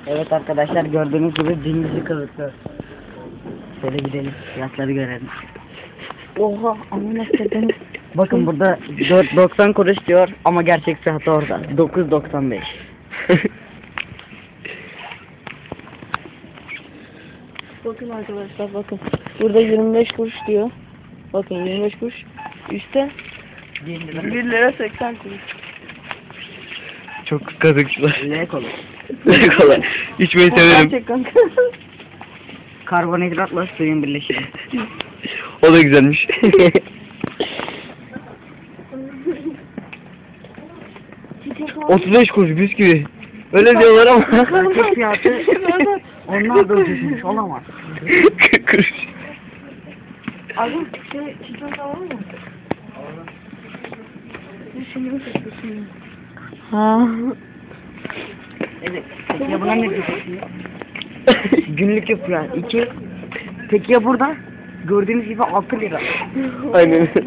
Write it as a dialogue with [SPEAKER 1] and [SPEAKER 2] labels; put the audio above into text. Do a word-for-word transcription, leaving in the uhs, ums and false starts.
[SPEAKER 1] Evet arkadaşlar, gördüğünüz gibi dingisi kılıklı. Şöyle gidelim, fiyatları görelim. Oha, amına koyayım. Bakın burada dört doksan kuruş diyor ama gerçek fiyatı orada. dokuz doksan beş.
[SPEAKER 2] Bakın arkadaşlar, bakın. Burada yirmi beş kuruş diyor. Bakın yirmi beş kuruş. Üstte bir lira seksen kuruş.
[SPEAKER 3] Çok kazıkçılar.
[SPEAKER 1] Ne kola?
[SPEAKER 3] Ne kola? İçmeyi severim.
[SPEAKER 2] Gerçek kanka.
[SPEAKER 1] Karbonhidratla suyun birleşimi.
[SPEAKER 3] O da güzelmiş. otuz beş kuruş bisküvi. Öyle diyorlar ama.
[SPEAKER 1] Gerçek fiyatı onlar da ucuzmuş, olamaz.
[SPEAKER 3] kırk kuruş.
[SPEAKER 2] Abi şey çikolata var mı? Düşünüyorum düşünüyorum. Ha.
[SPEAKER 1] Evet. Peki ya buna ne diyorsun? Günlük yapıyor. İki. Peki ya burada? Gördüğünüz gibi altı lira.
[SPEAKER 3] Aynen.